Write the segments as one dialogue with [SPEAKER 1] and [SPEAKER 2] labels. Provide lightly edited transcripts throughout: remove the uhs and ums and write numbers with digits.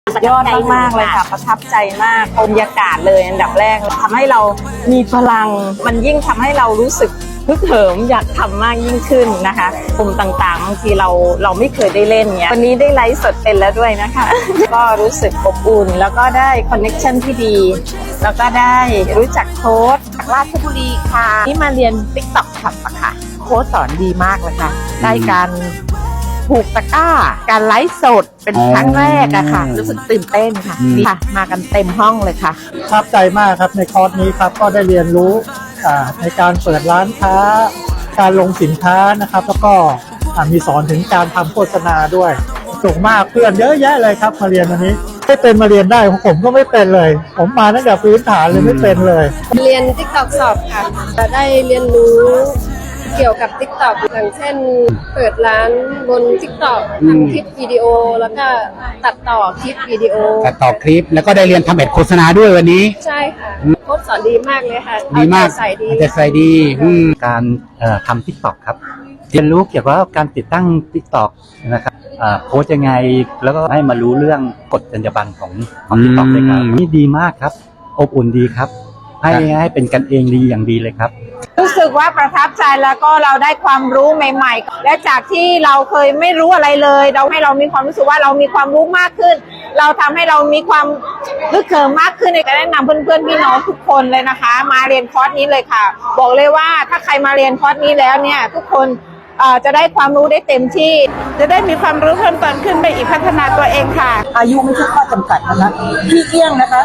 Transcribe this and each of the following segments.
[SPEAKER 1] ยอดมากๆเลยค่ะประทับใจมากบรรยากาศเลยอันดับแรกทำให้เรามีพลังมันยิ่งทำให้เรารู้สึกฮึกเหิมอยากทำมากยิ่งขึ้นนะคะกลุ่มต่างๆบางทีเราไม่เคยได้เล่นเนี้ยวันนี้ได้ไลฟ์สดเป็นแล้วด้วยนะคะ ก็รู้สึกอบอุ่นแล้วก็ได้คอนเนคชั่นที่ดีแล้วก็ได้รู้จักโค้ช
[SPEAKER 2] จากราชบุรีค่ะที่มาเรียน TikTok ค่ะค่ะโค้ชสอนดีมากเลยค่ะได้การผูกตะกร้าการไลฟ์สดเป็นครั้งแรกอะค่ะรู้สึกตื่นเต้นค่ะค่ะมากันเต็มห้องเลยค่ะ
[SPEAKER 3] ประทับใจมากครับในคอร์สนี้ครับก็ได้เรียนรู้ในการเปิดร้านค้าการลงสินค้านะครับแล้วก็มีสอนถึงการทำโฆษณาด้วยสูงมากเพื่อนเยอะแยะเลยครับมาเรียนวันนี้ไม่เป็นมาเรียนได้ผมก็ไม่เป็นเลยผมมาตั้งแต่พื้นฐานเลยไม่เป็นเลย
[SPEAKER 4] เรียน TikTok สอบค่ะได้เรียนรู้เกี่ยวกับ TikTok อย่างเช่นเปิดร้านบน TikTok ทำคลิปวิดีโอแล้วก็ตัดต่อคลิปวิดีโอ
[SPEAKER 5] ตัดต่อคลิปแล้วก็ได้เรียนทำแอดโฆษณาด้วยวันนี้
[SPEAKER 4] ใช่ค่ะโค้ชสอนดีมากเลยค่ะ
[SPEAKER 5] ดีมาก
[SPEAKER 4] ใส่ดี
[SPEAKER 5] จะใส่ดี
[SPEAKER 6] การทำ TikTok ครับเรียนรู้เกี่ยวกับการติดตั้ง TikTok นะครับโค้ชยังไงแล้วก็ให้มารู้เรื่องกฎจรรยาบรรณของ TikTok เลยครับนี่ดีมากครับอบอุ่นดีครับให้เป็นกันเองดีอย่างดีเลยครับ
[SPEAKER 1] รู้สึกว่าประทับใจแล้วก็เราได้ความรู้ใหม่ๆและจากที่เราเคยไม่รู้อะไรเลยเราให้เรามีความรู้สึกว่าเรามีความรู้มากขึ้นเราทำให้เรามีความฮึกเหิมมากขึ้นในการแนะนำเพื่อนๆพี่น้องทุกคนเลยนะคะมาเรียนคอร์สนี้เลยค่ะบอกเลยว่าถ้าใครมาเรียนคอร์สนี้แล้วเนี่ยทุกคนจะได้ความรู้ได้เต็มที่จะได้มีความรู้เพิ่มเติมขึ้นไปอีกพัฒนาตัวเองค่ะ
[SPEAKER 7] อายุไม่ใช่ข้อจำกัดนะคะพี่เอี้ยงนะคะ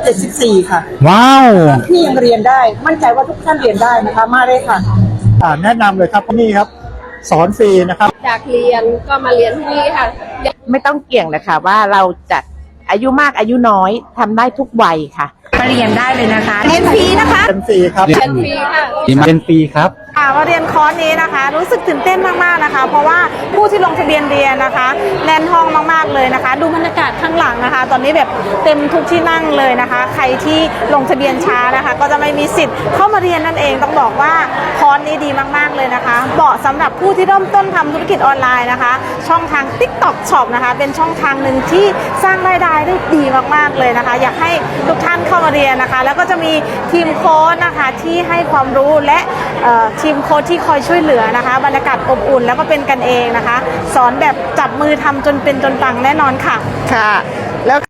[SPEAKER 7] 74ค่ะ
[SPEAKER 5] ว้าว
[SPEAKER 7] พี่ยังเรียนได้มั่นใจว่าทุกท่านเรียนได้นะคะมาเลยค่ะ
[SPEAKER 3] แนะนำเลยครับนี่ครับสอนฟรีนะครับ
[SPEAKER 4] อยากเรียนก็มาเรียนที่นี่ค่ะ
[SPEAKER 2] ไม่ต้องเกี่ยงเลยค่ะว่าเราจะอายุมากอายุน้อยทำได้ทุกวัยค่ะ
[SPEAKER 1] มาเรียนได้เลยนะคะเรียนฟรีนะคะ
[SPEAKER 3] เป็นฟรีครับ
[SPEAKER 4] เรียนฟรีค่ะ
[SPEAKER 6] เป็นปีครับ
[SPEAKER 1] มาเรียนคอร์สนี้นะคะรู้สึกตื่นเต้นมากๆนะคะเพราะว่าผู้ที่ลงทะเบียนเรียนนะคะแน่นห้องมากๆเลยนะคะดูบรรยากาศข้างหลังนะคะตอนนี้แบบเต็มทุกที่นั่งเลยนะคะใครที่ลงทะเบียนช้านะคะก็จะไม่มีสิทธิ์เข้ามาเรียนนั่นเองต้องบอกว่าคอร์สนี้ดีมากๆเลยนะคะเหมาะสำหรับผู้ที่เริ่มต้นทำธุรกิจออนไลน์นะคะช่องทาง TikTok Shop นะคะเป็นช่องทางหนึ่งที่สร้างรายได้ได้ดีมากๆเลยนะคะอยากให้ทุกท่านเข้ามาเรียนนะคะแล้วก็จะมีทีมโค้ชนะคะที่ให้ความรู้และทีมโค้ชที่คอยช่วยเหลือนะคะบรรยากาศอบอุ่นแล้วก็เป็นกันเองนะคะสอนแบบจับมือทำจนเป็นจนปังแน่นอนค่ะ
[SPEAKER 2] ค่ะแล้ว